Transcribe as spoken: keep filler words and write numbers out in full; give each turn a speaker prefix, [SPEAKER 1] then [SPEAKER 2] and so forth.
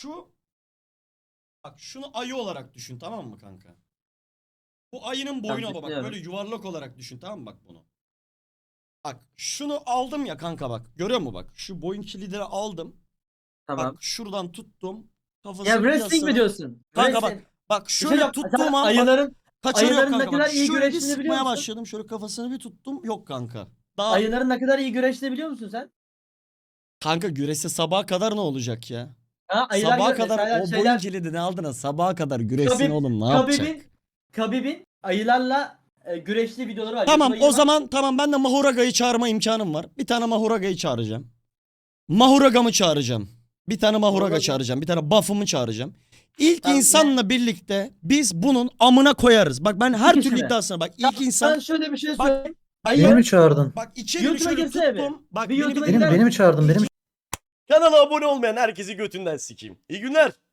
[SPEAKER 1] şu bak şunu ayı olarak düşün, tamam mı kanka? Bu ayının boyuna bak,
[SPEAKER 2] düşünüyorum.
[SPEAKER 1] böyle yuvarlak olarak düşün, tamam mı bak bunu? Bak şunu aldım ya kanka, bak görüyor musun bak, şu boyun kilidini aldım.
[SPEAKER 2] Tamam.
[SPEAKER 1] Bak şuradan tuttum. Kafasını
[SPEAKER 2] Ya wrestling mi
[SPEAKER 1] yasını-
[SPEAKER 2] diyorsun?
[SPEAKER 1] Kanka
[SPEAKER 2] Wrestling.
[SPEAKER 1] bak. Bak
[SPEAKER 2] Bir şey
[SPEAKER 1] şöyle
[SPEAKER 2] yok.
[SPEAKER 1] tuttuğum
[SPEAKER 2] Sen
[SPEAKER 1] an bak,
[SPEAKER 2] ayıların,
[SPEAKER 1] kaçırıyor
[SPEAKER 2] ayıların ne
[SPEAKER 1] kanka bak.
[SPEAKER 2] kadar iyi
[SPEAKER 1] Şöyle bir
[SPEAKER 2] güreştiğini biliyor
[SPEAKER 1] sıkmaya
[SPEAKER 2] musun?
[SPEAKER 1] başladım. Şöyle kafasını bir tuttum. Yok kanka. Daha
[SPEAKER 2] Ayıların ne kadar iyi güreştiğini biliyor musun sen?
[SPEAKER 1] kanka güreşse sabaha kadar ne olacak ya?
[SPEAKER 2] Ha, ayılar
[SPEAKER 1] Sabaha
[SPEAKER 2] gö-
[SPEAKER 1] kadar
[SPEAKER 2] mesela
[SPEAKER 1] o boyun
[SPEAKER 2] şeyler,
[SPEAKER 1] kilidini aldın, sabaha kadar güreşsin
[SPEAKER 2] Khabib,
[SPEAKER 1] oğlum, ne yapacak?
[SPEAKER 2] Khabib'in, Khabib'in ayılarla e, güreştiği videoları var.
[SPEAKER 1] Tamam
[SPEAKER 2] YouTube'a
[SPEAKER 1] o
[SPEAKER 2] gir bak.
[SPEAKER 1] zaman, tamam ben de Mahuraga'yı çağırma imkanım var. Bir tane Mahuraga'yı çağıracağım. Mahuraga'mı çağıracağım. Bir tane Mahuraga
[SPEAKER 2] Mahuraga.
[SPEAKER 1] çağıracağım. Bir tane buff'ımı çağıracağım. İlk
[SPEAKER 2] Tamam,
[SPEAKER 1] insanla birlikte biz bunun amına koyarız. Bak ben her
[SPEAKER 2] İki
[SPEAKER 1] türlü
[SPEAKER 2] kişi mi?
[SPEAKER 1] iddiasına bak.
[SPEAKER 2] Ya
[SPEAKER 1] İlk insan
[SPEAKER 2] Ben şöyle bir şey
[SPEAKER 1] Bak,
[SPEAKER 2] söyleyeyim.
[SPEAKER 1] ayı-
[SPEAKER 3] Beni mi çağırdın?
[SPEAKER 1] bak iki elimi
[SPEAKER 2] YouTube'a
[SPEAKER 1] şöyle
[SPEAKER 2] girsene bir.
[SPEAKER 1] tuttum. Bak
[SPEAKER 2] Bir
[SPEAKER 1] beni
[SPEAKER 2] YouTube'a
[SPEAKER 1] bir
[SPEAKER 3] Beni,
[SPEAKER 2] gider
[SPEAKER 3] beni mi
[SPEAKER 2] misin?
[SPEAKER 3] çağırdın? Beni mi
[SPEAKER 1] Kanala abone olmayan herkesi götünden sikeyim. İyi günler.